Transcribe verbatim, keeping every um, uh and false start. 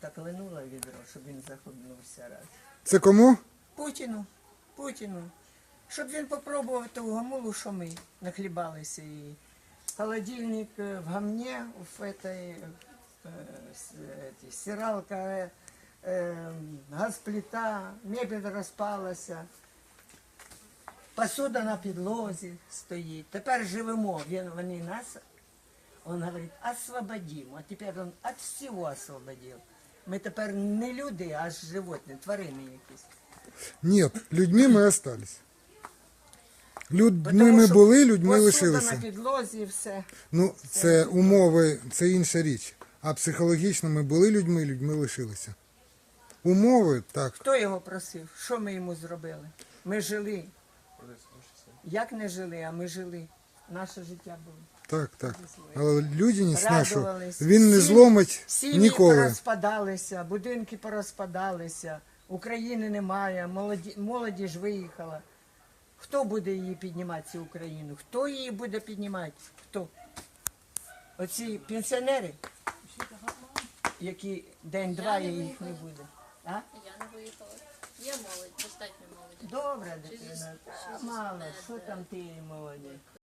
так линула відро, щоб він захлебнувся раз. Це кому? Путіну, Путіну. Щоб він попробував ту гамулу, що ми нахлібалися її. Холодильник е, в гамні, в этой, э, с- эти, стиралка, э, э, газплита, мебель розпалася, посуда на підлозі стоїть. Тепер живемо, він, вони нас, він говорить, освободимо. А тепер він від всього освободив. Ми тепер не люди, а животні, тварини якісь. Ні, людьми ми остались. Людьми Тому ми що були, людьми посуда лишилися. на підлозі і все. Ну, це умови, це інша річ. А психологічно ми були людьми, людьми лишилися. Умови, так. Хто його просив? Що ми йому зробили? Ми жили. Як не жили, а ми жили. Наше життя було. Так, так. Але людяність нашу, Радувались. він не Сім- зломить Сім'ї ніколи. порозпадалися, будинки порозпадалися, України немає, молоді, молодіж виїхала. Хто буде її піднімати, цю Україну? Хто її буде піднімати? Хто? Оці пенсіонери, які день-два і їх не буде. А? Я не виїхала. Є молодь, достатньо молоді. Добре, дитина. Та, мало, що там ти молоді?